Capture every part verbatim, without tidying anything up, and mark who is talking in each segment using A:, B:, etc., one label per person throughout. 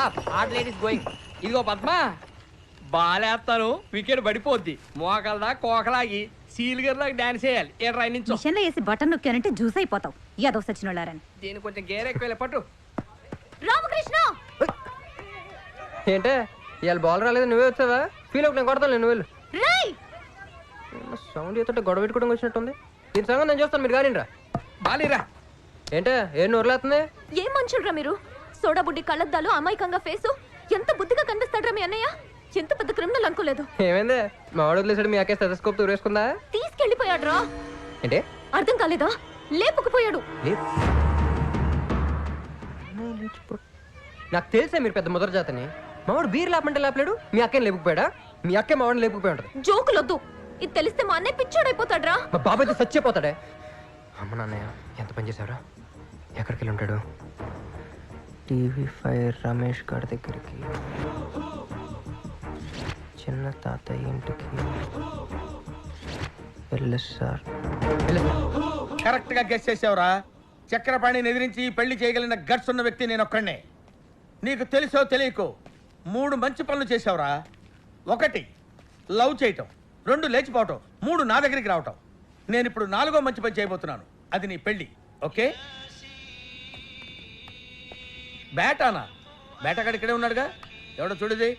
A: Stop are ladies going. ఇదిగో Padma, బాలేస్తాను wicket పడిపోద్ది. మోకలదా కోకలాగి సీలుగర్లాగా dance చేయాలి. ఏ రైన్ నుంచి
B: మిషన్లో వేసి బటన్ నొక్కానంటే జ్యూస్ అయిపోతావు. యాదవ్ సచ్చినోళ్ళారని.
A: దీని కొంచెం గేర్ ఎక్కువ పట్టు.
B: రామకృష్ణ
C: ఏంటే ఇవాళ బాల్ రాలేదు, నువ్వే వచ్చావా? ఫీల్ అవుట్ నేను కొడతాను. నువ్వు వెళ్ళు. సౌండ్ చేస్తుంటే గొడవ పెట్టుకోవడం వచ్చినట్టుంది. దీని సంగతి నేను చూస్తాను, మీరు కానీ రా.
A: బాలీరా
C: ఏంటే ఏం నోరులేస్తుంది?
D: ఏం మనుషులరా మీరు? సోడా బుడ్డి కళ్ళద్దాలు, అమాయకంగా ఫేసు, ఎంత బుద్ధిగా కనిపిస్తాడ్రా మీ అన్నయ్య. ఎంత పెద్ద క్రిమినల్ అనుకోలేదు.
C: ఏమైందే మా వాడు వదిలేసాడు, మీ అక్కే స్టెథోస్కోప్ ఊరేసుకుందా?
D: తీసుకెళ్లిపోయాడ్రా.
C: ఏంటే
D: అర్థం కాలేదా? లేపుకుపోయాడు.
C: నాకు తెలుసా మీరు పెద్ద ముద్ర జాతని. మావాడు బీర్ లేపమంటే లేపలేడు, మీ అక్కని లేపుకుపోయాడా? మీ అక్కే మావాడిని లేపుకుపోయి ఉంటుంది.
D: జోకులొద్దు. ఇది తెలిస్తే మా అన్నయ్య పిచ్చోడైపోతాడ్రా.
C: మా బాబాయ్ అయితే చచ్చిపోతాడే. అమ్మ నాన్నయ్య ఎంత పని చేశారా? ఎక్కడికి వెళ్ళి ఉంటాడు? టీవీ ఫైవ్ రమేష్ గారి దగ్గరికి, చిన్న తాతయ్య ఇంటికి వెళ్ళి సార్.
E: కరెక్ట్ గా గెస్ చేసావురా. చక్రపాణిని ఎదిరించి పెళ్లి చేయగలిగిన గట్స్ ఉన్న వ్యక్తి నేను ఒక్కడే. నీకు తెలుసో తెలియకో మూడు మంచి పనులు చేసావురా. ఒకటి లవ్ చేయటం, రెండు లేచిపోవటం, మూడు నా దగ్గరికి రావటం. నేను ఇప్పుడు నాలుగో మంచి పని చేయబోతున్నాను. అది నీ పెళ్లి. ఓకే? బేటానా? బేటగాడు ఇక్కడే ఉన్నాడుగా, ఎవడో చూడది.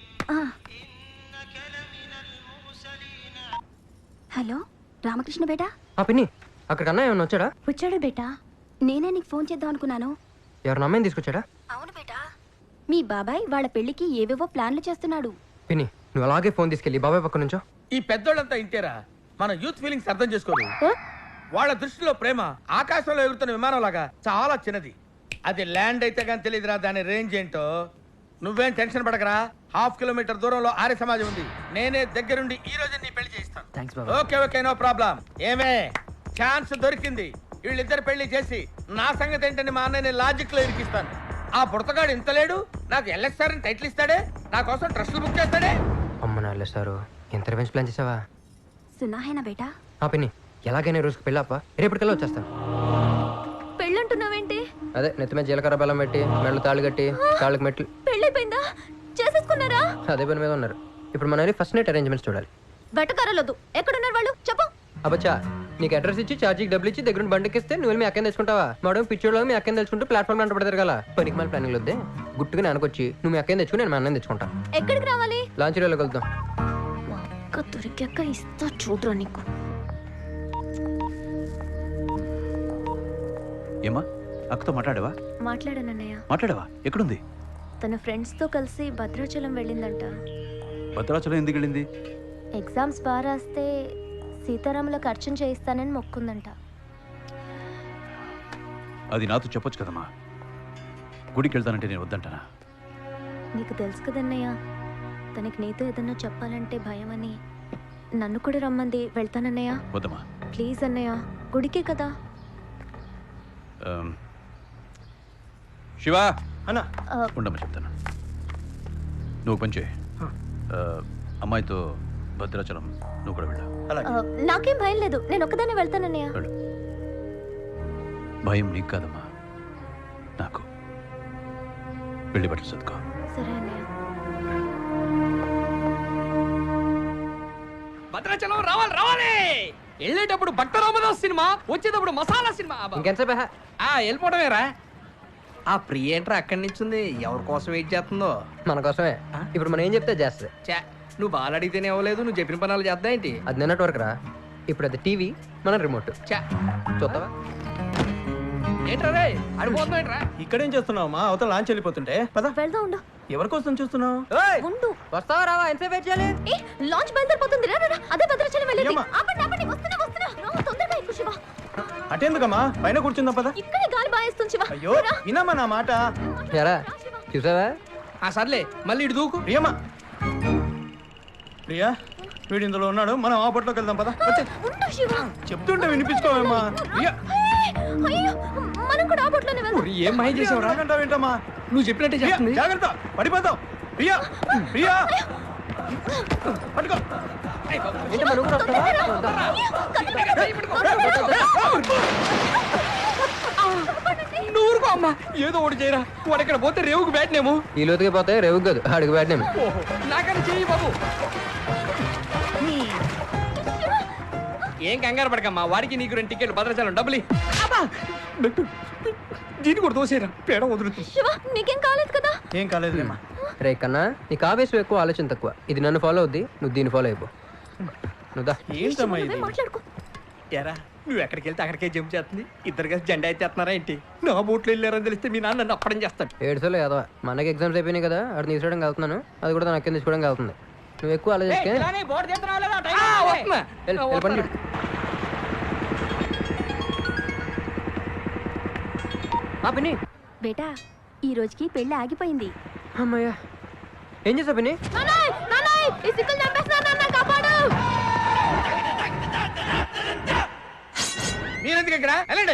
D: హలో రామకృష్ణ బేటా.
C: ఆ పిన్ని అక్కడికి అన్న ఏమన్నా వచ్చాడా?
D: వచ్చాడు బేటా. నేనే నీకు ఫోన్ చేద్దాం అనుకున్నాను.
C: ఎవరు అమ్మాయిని తీసుకొచ్చాడా?
D: అవును బేటా, మీ బాబాయ్ వాళ్ళ పెళ్లికి ఏవేవో ప్లాన్లు చేస్తున్నాడు.
C: పిన్ని నువ్వు అలాగే ఫోన్ తీసుకెళ్ళి బాబాయ్ పక్క నుంచో.
E: ఈ పెద్దోళ్ళంతా ఇంటేరా, మన యూత్ ఫీలింగ్స్ అర్థం చేసుకోరు. వాళ్ళ దృష్టిలో ప్రేమ ఆకాశంలో ఎగురుతున్న విమానం లాగా చాలా చిన్నది. అది ల్యాండ్ అయితే కానీ తెలియదురా దాని రేంజ్ ఏంటో. నువ్వేం టెన్షన్ పడకరా. హాఫ్ కిలోమీటర్ దూరంలో ఆర్య సమాజం ఉంది. నేనే దగ్గరుండి ఈ రోజు నీ పెళ్లి చేయిస్తాను. Okay okay no problem. ఏమే ఛాన్స్ దొరికింది. వీళ్ళిద్దరు పెళ్లి చేసి నా సంగతి ఏంటని మా అన్నయ్యని లాజిక్ లో ఇరికిస్తాను. ఆ పుడతగాడు ఇంత లేడు, నాకు ఎల్ఎస్ఆర్ అని టైటిల్ ఇస్తాడే, నా కోసం ట్రస్టులు బుక్ చేస్తాడే.
C: అమ్మ నా వెళ్ళేస్తారు. ఎంత రివెంజ్ ప్లాన్ చేసావా?
D: సున్నాహేనా బేటా?
C: ఆ పిన్ని ఎలాగైనా రోజుకి పెళ్ళాపా, రేపటికల్లా వచ్చేస్తాను.
D: పెళ్ళంటున్నావేంటి?
C: అదే నెత్తి మీద జీలకర్ర బెల్లం పెట్టి మెళ్ళు తాళ్ళు కట్టి కాళ్ళకి మెట్లు.
D: పెళ్ళైపోయిందా? చేసేసుకున్నారా?
C: అదే పని మీద ఉన్నారు. ఇప్పుడు మన ఫస్ట్ నైట్ అరేంజ్మెంట్స్ చూడాలి.
D: వెటకారాలొద్దు. ఎక్కడున్నారు వాళ్ళు? చెప్పు.
C: అబ్బచ్చా నీకు అడ్రస్ ఇచ్చి ఛార్జీకి డబ్బులు ఇచ్చి దగ్గర బండికిస్తే నువ్వు మీ అక్కని తెచ్చుకుంటావా? మేడం పిచ్చోళ్ళు మీ అక్కని తెచ్చుకుంటూ ప్లాట్ఫామ్ అంట పడతారు కదా. పనికి మళ్ళీ ప్లానింగ్ వద్దే, గుట్టుగా నానకొచ్చి నువ్వు మీ అక్కని తెచ్చుకుని నేను మా అన్నని తెచ్చుకుంటా.
D: ఎక్కడికి రావాలి?
C: లాంచ్ రేలోకి వెళ్తాం.
D: అక్క దొరికాక ఇస్తా చూడరా నీకు.
F: ఏమా అక్కతో మాట్లాడావా?
D: మాట్లాడానన్నయ్య.
F: మాట్లాడావా? ఎక్కడుంది?
D: తన ఫ్రెండ్స్ తో కలిసి భద్రాచలం వెళ్ళిందంట.
F: భద్రాచలం ఎందుకు వెళ్ళింది?
D: ఎగ్జామ్స్ బాగా రాస్తే సీతారాములకు అర్చన చేయిస్తానని మొక్కుందంట.
F: అది నాతో చెప్పొచ్చు కదమ్మా. గుడికి వెళ్తానంటే నేను వద్దంటానా?
D: నీకు తెలుసు కదన్నయ్య, తనకి నీతో ఏదన్నా చెప్పాలంటే భయమని. నన్ను కూడా రమ్మంది. వెళ్తానన్నయ్య.
F: వద్దమ్మా
D: ప్లీజ్ అన్నయ్య, గుడికే కదా.
F: శివా
G: అన్నా
F: ఉండమ్మా చెప్తాను. నువ్వు పని చేయి, అమ్మాయితో భద్రాచలం నువ్వు కూడా వెళ్ళా.
D: నాకేం భయం లేదు, నేను ఒక్కదాన్ని వెళ్తానన్నయ్య.
F: భయం నీకు కాదమ్మా, నాకు. వెళ్ళి బట్టలు చదువుకో.
D: సరే అన్నయ్య.
A: భద్రాచలం రావాలి రావాలి. వెళ్ళేటప్పుడు భక్త రామదాస్ సినిమా, వచ్చేటప్పుడు మసాలా సినిమా.
C: ఇంకెంతసేపు
A: ఆ వెళ్ళిపోవడమేరా. ఆ ప్రియ ఏంట్రా అక్కడి నుంచి ఉంది, ఎవరి కోసం వెయిట్ చేస్తుందో?
C: మన కోసమే. ఇప్పుడు మనం ఏం చెప్తే చేస్తుంది.
A: చా నువ్వు బాగా అడిగితేనే అవ్వలేదు, నువ్వు చెప్పిన పనులు చేద్దా ఏంటి?
C: అది నిన్నటి వరకు రా. ఇప్పుడు అది టీవీ, మన రిమోట్.
A: చా
C: చూద్దావా?
A: ఏంట్రా రే అడిపోతున్నావు ఏంట్రా?
G: ఇక్కడేం చేస్తున్నావు మా అవతల లాంచ్ వెళ్ళిపోతుంటే పద.
D: వెళ్దాం ఉండు.
G: ఎవరి కోసం చూస్తున్నావు?
D: ఉండు.
C: వస్తావా రావా? ఎంతసేపు వెయిట్ చేయాలి?
D: ఏ లాంచ్ బయలుదేరిపోతుంది. రా రా, అదే భద్రాచలం వెళ్ళేది.
G: అయ్యమ్మ.
D: ఆపండి ఆపండి, వస్తున్నా వస్తున్నా. రా, తొందరగా ఎక్కు శివ.
G: అటెందుకమ్మా, పైన కూర్చుందాం పద.
D: ఇక్కడే గాలి బాయేస్తుంది శివ.
G: అయ్యో వినమ్మా నా మాట.
C: ఎరా చూసావా?
A: ఆ సర్లే మళ్ళీ ఇటు దూకు.
G: ప్రియమ్మా, ప్రియా వీడు ఇందులో ఉన్నాడు, మనం ఆ బొట్లోకి వెళ్దాం పద.
D: ఉండు శివ.
G: చెప్తుంటే వినిపించుకోవమ్మా. ప్రియా
D: అయ్యో, మనం కూడా ఆ బొట్లోనే వెళ్దాం.
A: ఒరి, ఏం మాయ చేసావురా?
G: ఏంటమ్మా
A: నువ్వు చెప్పినట్టే చేస్తుంది.
G: జాగ్రత్త, పడిపోతాం. ప్రియా ప్రియా పట్టుకో.
C: ఏంటి మరి ఊరు వస్తావా?
A: ఆ నువ్వు ఊరుకో అమ్మా, ఏదో ఒకటి చేయరా. వాడు ఇక్కడ పోతే రేవుకు బ్యాట్నేమో.
C: ఈ లోతుకి పోతే రేవుకి కాదు అడుగు పెట్టినాము.
A: ఓహో, నాకని చెయ్యి బాబు. ఏం కంగారు పడకమ్మా, వాడికి నీకు రెండు టికెట్లు భద్రాచలం డబ్బులు ఇ. అబ్బా! దీన్ని కూడా తోసేరా, పేడ వదులుతుంది.
D: శివ నీకేం కాలేదు కదా?
G: ఏం కాలేదులేమ్మా.
C: రే కన్నా, నీకు ఆవేశం ఎక్కువ ఆలోచన తక్కువ. ఇది నన్ను ఫాలో అవుద్ది, నువ్వు దీన్ని ఫాలో అయిపో. నువ్వు దా.
G: ఏంటమ్మా
D: నువ్వే
G: ఇది?
D: మాట్లాడుకో.
A: ఎరా, నువ్వు ఎక్కడికి వెళ్తే అక్కడికే జంప్ చేస్తుంది. ఇద్దరు కలిసి జెండా అయితే ఎత్తున్నారా ఏంటి? నా బోట్లో వెళ్ళారని తెలిస్తే మీ నాన్న నన్ను అప్పడం చేస్తాడు.
C: ఏడుసోలో యాదవ, మనకి ఎగ్జామ్స్ అయిపోయినాయి కదా, అక్కడ తీసుకోవడానికి వెళ్తున్నాను. అది కూడా నాకు తీసుకోవడానికి వెళ్తుంది. నువ్వు ఎక్కువ ఆలోచిస్తే
A: ఆ, వస్తున్నా.
C: వెళ్ళు, వెళ్ళి పని చూడు. ఆ పిన్ని.
D: బేటా ఈ రోజుకి పెళ్లి ఆగిపోయింది.
C: అమ్మయ్యా, ఏం చేసావు పిన్ని?
E: మీరెందుకు ఇక్కడ వెళ్ళండి.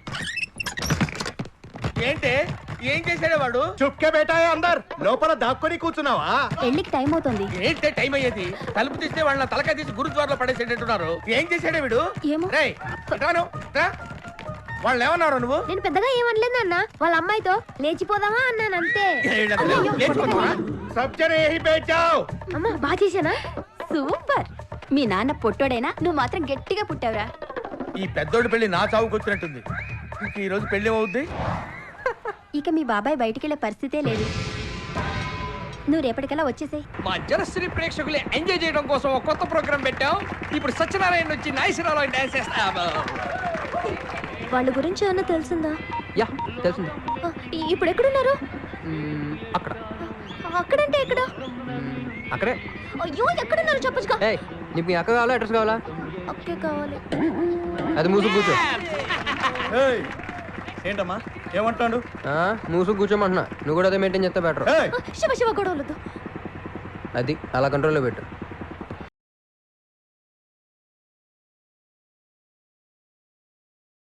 E: ఏంటి ఏం చేశాడే వాడు?
G: చుప్కే బేటాయే అందర్ లోపల దాక్కొని కూర్చున్నావా?
D: పెళ్లికి టైం అవుతుంది.
E: ఏంటే టైం అయ్యేది? తలుపు తీస్తే వాళ్ళ తలకాయ తీసి గురుద్వారలో పడేసేటట్టున్నారు. ఏం చేశాడే వీడు?
D: ఏమో.
E: రేయ్, ఇటాను, ఇటా. వాళ్ళు ఏమన్నారు నువ్వు?
D: నేను పెద్దగా ఏమనలేదు అన్న, వాళ్ళ అమ్మాయితో లేచిపోదామా అన్నాను అంతే.
E: లేచిపోతావా?
G: సబ్జనే యహీ బైఠ్ జాओ.
D: అమ్మా బాగా చేశానా? సూపర్. మీ నాన్న పొట్టోడైనా నువ్వు మాత్రం గట్టిగా పుట్టావురా.
E: ఈ పెద్దోడి పెళ్లి నా చావుకు వచ్చినట్టుంది. ఇంక ఈ రోజు పెళ్లి ఏమవుద్ది?
D: ఇక మీ బాబాయ్ బయటికి వెళ్ళే పరిస్థితే లేదు. నువ్వు రేపటికల్లా వచ్చేసేయ్.
A: మా జనశ్రీ ప్రేక్షకులు ఎంజాయ్ చేయడం కోసం ఒక కొత్త ప్రోగ్రామ్ పెట్టాం. ఇప్పుడు సత్యనారాయణ వచ్చి నాయసరాలో డాన్స్ చేస్తా.
D: వాళ్ళ గురించి ఏమన్నా తెలిసిందా?
C: యా తెలిసింది.
D: ఆ, ఇప్పుడు ఎక్కడున్నారు?
C: మ్మ్, అక్కడ
D: అక్కడంటే ఎక్కడ?
C: మ్మ్, అక్కడే.
D: అయ్యో ఎక్కడున్నారు చెప్పచ్చుగా.
C: ఏయ్, నీకు మీ అక్క కావాలా అడ్రస్ కావాలా?
D: అక్కే కావాలి.
C: అది మూసు కూర్చో.
G: ఏయ్, ఏంటమ్మా ఏమంటాడు?
C: ఆ, మూసు కూర్చోమంటున్నా. నువ్వు కూడా అదే మెయింటైన్ చేస్తే బెటర్.
G: ఏయ్,
D: శివ శివ గొడవలతో.
C: అది అలా కంట్రోల్లో పెట్టు.